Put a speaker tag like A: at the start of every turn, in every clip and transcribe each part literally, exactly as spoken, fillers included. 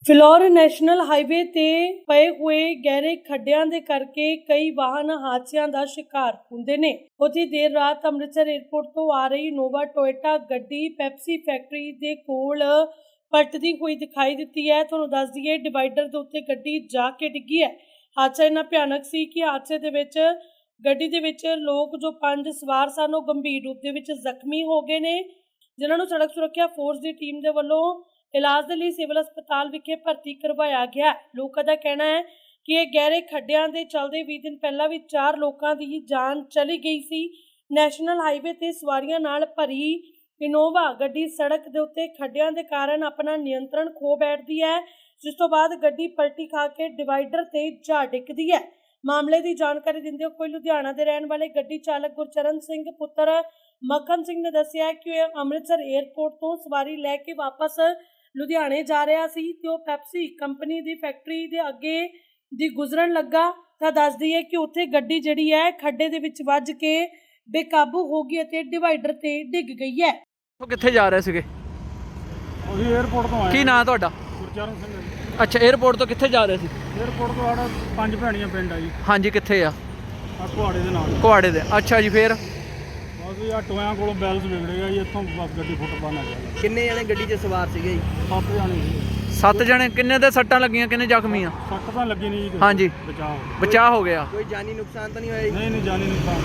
A: Phillaur national highway ਤੇ ਪਏ ਹੋਏ ਗਹਿਰੇ ਖੱਡਿਆਂ ਦੇ ਕਰਕੇ ਕਈ ਵਾਹਨ ਹਾਦਸਿਆਂ ਦਾ ਸ਼ਿਕਾਰ ਹੁੰਦੇ ਨੇ। ਉੱਥੇ ਦੇਰ ਰਾਤ ਅੰਮ੍ਰਿਤਸਰ ਏਅਰਪੋਰਟ ਤੋਂ ਆ ਰਹੀ ਨੋਵਾ ਟੋਇਟਾ ਗੱਡੀ ਪੈਪਸੀ ਫੈਕਟਰੀ ਦੇ ਕੋਲ ਪਲਟਦੀ ਹੋਈ ਦਿਖਾਈ ਦਿੱਤੀ ਹੈ। ਤੁਹਾਨੂੰ ਦੱਸ ਦਈਏ ਡਿਵਾਈਡਰ ਦੇ ਉੱਤੇ ਗੱਡੀ ਜਾ ਕੇ ਡਿੱਗੀ ਹੈ। ਹਾਦਸਾ ਇੰਨਾ ਭਿਆਨਕ ਸੀ ਕਿ ਹਾਦਸੇ ਦੇ ਵਿੱਚ ਗੱਡੀ ਦੇ ਵਿੱਚ ਲੋਕ ਜੋ ਪੰਜ ਸਵਾਰ ਸਨ ਉਹ ਗੰਭੀਰ ਰੂਪ ਦੇ ਵਿੱਚ ਜ਼ਖਮੀ ਹੋ ਗਏ ਨੇ, ਜਿਨ੍ਹਾਂ ਨੂੰ ਸੜਕ ਸੁਰੱਖਿਆ ਫੋਰਸ ਦੀ ਟੀਮ ਦੇ ਵੱਲੋਂ ਇਲਾਜ ਦੇ ਲਈ ਸਿਵਲ ਹਸਪਤਾਲ ਵਿਖੇ ਭਰਤੀ ਕਰਵਾਇਆ ਗਿਆ। ਲੋਕਾਂ ਦਾ ਕਹਿਣਾ ਹੈ ਕਿ ਇਹ ਗਹਿਰੇ ਖੱਡਿਆਂ ਦੇ ਚੱਲਦੇ ਵੀਹ ਦਿਨ ਪਹਿਲਾਂ ਵੀ ਚਾਰ ਲੋਕਾਂ ਦੀ ਜਾਨ ਚਲੀ ਗਈ ਸੀ। ਨੈਸ਼ਨਲ ਹਾਈਵੇ ਤੇ ਸਵਾਰੀਆਂ ਨਾਲ ਭਰੀ ਇਨੋਵਾ ਗੱਡੀ ਸੜਕ ਦੇ ਉੱਤੇ ਖੱਡਿਆਂ ਦੇ ਕਾਰਨ ਆਪਣਾ ਨਿਯੰਤਰਣ ਖੋ ਬੈਠਦੀ ਹੈ, ਜਿਸ ਤੋਂ ਬਾਅਦ ਗੱਡੀ ਪਲਟੀ ਖਾ ਕੇ ਡਿਵਾਈਡਰ ਤੇ ਜਾ ਡਿੱਗਦੀ ਹੈ। ਮਾਮਲੇ ਦੀ ਜਾਣਕਾਰੀ ਦਿੰਦੇ ਹੋਏ ਲੁਧਿਆਣਾ ਦੇ ਰਹਿਣ ਵਾਲੇ ਗੱਡੀ ਚਾਲਕ ਗੁਰਚਰਨ ਸਿੰਘ ਪੁੱਤਰ ਮੱਖਣ ਸਿੰਘ ਨੇ ਦੱਸਿਆ ਕਿ ਉਹ ਅੰਮ੍ਰਿਤਸਰ ਏਅਰਪੋਰਟ ਤੋਂ ਸਵਾਰੀ ਲੈ ਕੇ ਵਾਪਸ ਲੁਧਿਆਣੇ ਜਾ ਰਿਹਾ ਸੀ ਤੇ ਉਹ ਪੈਪਸੀ ਕੰਪਨੀ ਦੀ ਫੈਕਟਰੀ ਦੇ ਅੱਗੇ ਦੀ ਗੁਜ਼ਰਨ ਲੱਗਾ ਤਾਂ ਦੱਸ ਦਈਏ ਕਿ ਉੱਥੇ ਗੱਡੀ ਜਿਹੜੀ ਹੈ ਖੱਡੇ ਦੇ ਵਿੱਚ ਵੱਜ ਕੇ ਬੇਕਾਬੂ ਹੋ ਗਈ ਅਤੇ ਡਿਵਾਈਡਰ ਤੇ ਡਿੱਗ ਗਈ ਹੈ।
B: ਉਹ ਕਿੱਥੇ ਜਾ ਰਹੇ ਸੀਗੇ?
C: ਉਹੀ ਏਅਰਪੋਰਟ ਤੋਂ ਆਏ।
B: ਕੀ ਨਾਂ ਤੁਹਾਡਾ?
C: ਗੁਰਚਰਨ ਸਿੰਘ।
B: ਅੱਛਾ, ਏਅਰਪੋਰਟ ਤੋਂ ਕਿੱਥੇ ਜਾ ਰਹੇ ਸੀ?
C: ਏਅਰਪੋਰਟ ਤੋਂ ਆੜਾ ਪੰਜ ਭੈਣੀਆਂ ਪਿੰਡ ਆ ਜੀ।
B: ਹਾਂਜੀ, ਕਿੱਥੇ ਆ?
C: ਆ ਕੁਹਾੜੇ ਦੇ ਨਾਲ।
B: ਕੁਹਾੜੇ ਦੇ। ਅੱਛਾ ਜੀ, ਫੇਰ
C: ਬਸ ਜੀ ਆ ਟੋਇਆਂ ਕੋਲੋਂ ਬੈਲਸ ਵਿਗੜੇਗਾ ਜੀ, ਇੱਥੋਂ ਗੱਡੀ ਫੁੱਟ ਪਾਣਾ ਗਿਆ।
D: ਕਿੰਨੇ ਜਣੇ ਗੱਡੀ 'ਚ ਸਵਾਰ ਸੀਗੇ ਜੀ?
C: ਸੱਤ ਜਾਣੇ ਸੀ।
B: ਸੱਤ ਜਣੇ। ਕਿੰਨੇ ਦੇ ਸੱਟਾਂ ਲੱਗੀਆਂ, ਕਿੰਨੇ ਜ਼ਖਮੀ ਆ?
C: ਸੱਟ ਤਾਂ ਲੱਗੀ ਨਹੀਂ ਜੀ।
B: ਹਾਂਜੀ,
C: ਬਚਾਅ
B: ਬਚਾਅ ਹੋ ਗਿਆ।
D: ਕੋਈ ਜਾਨੀ ਨੁਕਸਾਨ ਤਾਂ ਨਹੀਂ ਹੋਇਆ ਜੀ?
C: ਨਹੀਂ ਨਹੀਂ ਜਾਨੀ ਨੁਕਸਾਨ।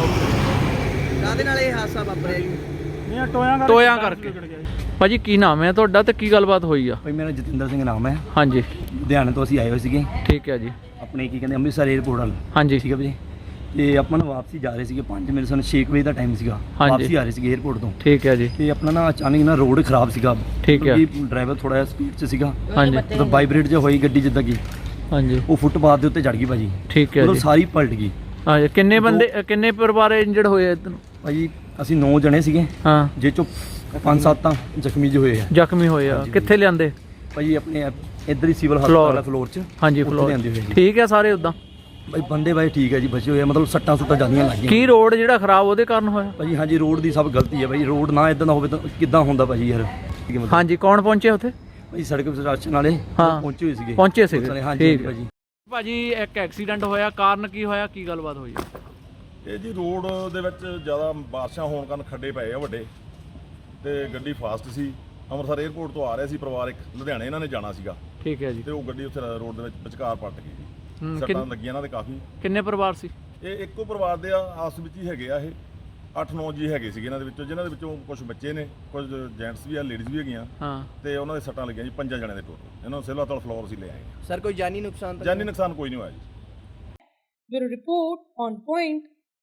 D: ਕਾਹਦੇ ਨਾਲ ਇਹ ਹਾਦਸਾ ਵਾਪਰਿਆ ਜੀ?
C: ਨਹੀਂ ਆ ਟੋਇਆਂ ਕਰਕੇ।
B: ਟੋਇਆਂ ਕਰਕੇ। ਭਾਜੀ ਕੀ ਨਾਮ ਹੈ ਤੁਹਾਡਾ ਤੇ ਕੀ ਗੱਲਬਾਤ ਹੋਈ ਆ?
E: ਭਾਈ ਮੇਰਾ ਜਤਿੰਦਰ ਸਿੰਘ ਨਾਮ ਹੈ।
B: ਹਾਂਜੀ,
E: ਲੁਧਿਆਣੇ ਤੋਂ ਅਸੀਂ ਆਏ ਹੋਏ ਸੀਗੇ।
B: ਠੀਕ ਹੈ ਜੀ।
E: ਆਪਣੇ ਕੀ ਕਹਿੰਦੇ ਅੰਮ੍ਰਿਤਸਰ ਏਅਰਪੋਰਟ ਵੱਲ।
B: ਹਾਂਜੀ,
E: ਠੀਕ ਹੈ ਭਾਜੀ। ਤੇ ਆਪਾਂ ਨਾ ਵਾਪਸੀ ਜਾ ਰਹੇ ਸੀਗੇ, ਪੰਜ ਮੇਰੇ ਸਾਨੂੰ ਛੇ ਵਜੇ ਦਾ ਟਾਈਮ ਸੀਗਾ। ਵਾਪਸੀ ਆ ਰਹੇ ਸੀਗੇ ਏਅਰਪੋਰਟ ਤੋਂ।
B: ਠੀਕ ਹੈ ਜੀ।
E: ਤੇ ਆਪਣਾ ਨਾ ਅਚਾਨਕ ਨਾ ਰੋਡ ਖਰਾਬ ਸੀਗਾ।
B: ਠੀਕ ਹੈ।
E: ਡਰਾਈਵਰ ਥੋੜਾ ਜਿਹਾ ਸਪੀਡ 'ਚ ਸੀਗਾ।
B: ਹਾਂਜੀ,
E: ਮਤਲਬ ਵਾਈਬ੍ਰੇਟ ਜਿਹਾ ਹੋਈ ਗੱਡੀ ਜਿੱਦਾਂ ਕਿ
B: ਹਾਂਜੀ,
E: ਉਹ ਫੁੱਟਪਾਥ ਦੇ ਉੱਤੇ ਚੜ ਗਈ ਭਾਜੀ।
B: ਠੀਕ ਹੈ
E: ਮਤਲਬ
B: ਜੀ।
E: ਸਾਰੀ ਪਲਟ ਗਈ।
B: ਹਾਂਜੀ, ਕਿੰਨੇ ਬੰਦੇ ਕਿੰਨੇ ਪਰਿਵਾਰ ਇੰਜਰਡ ਹੋਏ ਇੱਧਰ?
E: ਭਾਜੀ ਅਸੀਂ ਨੌ ਜਣੇ ਸੀਗੇ,
B: ਹਾਂ,
E: ਜੇ ਚੋਂ ਪੰਜ ਸੱਤ ਤਾਂ ਜ਼ਖਮੀ ਜਿਹੇ ਹੋਏ ਆ।
B: ਜ਼ਖਮੀ ਹੋਏ ਆ। ਕਿੱਥੇ ਲਿਆਂਦੇ?
E: ਭਾਜੀ ਆਪਣੇ ਇੱਧਰ ਹੀ ਸਿਵਲ ਹਸਪਤਾਲ ਫਲੋਰ 'ਚ।
B: ਹਾਂਜੀ,
E: ਉੱਥੇ
B: ਫਲੋਰ।
E: ਲਿਆਂਦੇ ਹੋਏ ਜੀ।
B: ਠੀਕ ਹੈ ਸਾਰੇ ਉਦਾਂ?
E: ਭਾਈ ਬੰਦੇ ਬਾਈ ਠੀਕ ਹੈ ਜੀ, ਬਚੇ ਹੋਏ ਆ, ਮਤਲਬ ਸੱਟਾਂ ਸੁੱਟਾਂ ਜਾਂਦੀਆਂ ਲੱਗੀਆਂ।
B: ਕੀ ਰੋਡ ਜਿਹੜਾ ਖਰਾਬ ਉਹਦੇ ਕਾਰਨ ਹੋਇਆ?
E: ਭਾਜੀ ਹਾਂਜੀ, ਰੋਡ ਦੀ ਸਭ ਗਲਤੀ ਹੈ ਭਾਜੀ। ਰੋਡ ਨਾ ਇਦਾਂ ਦਾ ਹੋਵੇ ਤਾਂ ਕਿੱਦਾਂ ਹੁੰਦਾ ਭਾਜੀ ਯਾਰ। ਠੀਕ ਹੈ ਮਤਲਬ।
B: ਹਾਂਜੀ, ਕੌਣ ਪਹੁੰਚੇ ਉੱਥੇ?
E: ਭਾਜੀ ਸੜਕ ਪ੍ਰਸ਼ਾਸਨ ਵਾਲੇ
B: ਹਾਂ,
E: ਪਹੁੰਚੇ ਹੋਏ ਸੀਗੇ।
B: ਪਹੁੰਚੇ ਸੀਗੇ।
E: ਹਾਂਜੀ
B: ਠੀਕ ਹੈ
E: ਭਾਜੀ।
B: ਭਾਜੀ ਇੱਕ ਐਕਸੀਡੈਂਟ ਹੋਇਆ, ਕਾਰਨ ਕੀ ਹੋਇਆ, ਕੀ ਗੱਲਬਾਤ ਹੋਈ?
F: ਇਹ ਜੀ ਰੋਡ ਦੇ ਵਿੱਚ ਜ਼ਿਆਦਾ ਬਾਰਿਸ਼ਾਂ ਹੋਣ ਕਾਰਨ ਖੱਡੇ ਪਏ ਆ ਵੱਡੇ, ਤੇ ਗੱਡੀ ਫਾਸਟ ਸੀ। ਅੰਮ੍ਰਿਤਸਰ ਏਅਰਪੋਰਟ ਤੋਂ ਆ ਰਿਹਾ ਸੀ ਪਰਿਵਾਰ ਇੱਕ, ਲੁਧਿਆਣੇ ਇਹਨਾਂ ਨੇ ਜਾਣਾ ਸੀਗਾ।
B: ਠੀਕ ਹੈ ਜੀ।
F: ਤੇ ਉਹ ਗੱਡੀ ਉੱਥੇ ਰੋਡ ਦੇ ਵਿੱਚ ਵਿਚਕਾਰ ਪਲਟ ਗਈ ਜੀ।
B: ਹੂੰ,
F: ਸੱਟਾਂ
B: ਕਿੰਨ-
F: ਲੱਗੀਆਂ ਇਹਨਾਂ ਦੇ ਕਾਫੀ।
B: ਕਿੰਨੇ ਪਰਿਵਾਰ ਸੀ?
F: ਇਹ ਇੱਕੋ ਪਰਿਵਾਰ ਦੇ ਆ, ਆਪਸ ਵਿੱਚ ਹੀ ਹੈਗੇ ਆ। ਇਹ ਅੱਠ ਨੌ ਜੀ ਹੈਗੇ ਸੀਗੇ ਇਹਨਾਂ ਦੇ ਵਿੱਚੋਂ, ਜਿਨ੍ਹਾਂ ਦੇ ਵਿੱਚੋਂ ਕੁਝ ਬੱਚੇ ਨੇ, ਕੁਝ ਜੈਂਟਸ ਵੀ ਆ, ਲੇਡੀਜ਼ ਵੀ ਹੈਗੀਆਂ।
B: ਹਾਂ,
F: ਤੇ ਉਹਨਾਂ ਦੇ ਸੱਟਾਂ ਲੱਗੀਆਂ ਜੀ ਪੰਜਾਂ ਜਣਿਆਂ ਦੇ ਟੋਟਲ। ਇਹਨਾਂ ਨੂੰ ਸਿਵਲ ਹਸਪਤਾਲ ਫਲੋਰ ਅਸੀਂ ਲੈ ਆਏ।
D: ਸਰ ਕੋਈ ਜਾਨੀ ਨੁਕਸਾਨ ਤਾਂ
F: ਜਾਨੀ ਨੁਕਸਾਨ ਕੋਈ ਨਹੀਂ ਹੋਇਆ ਜੀ।
A: Bureau report on point.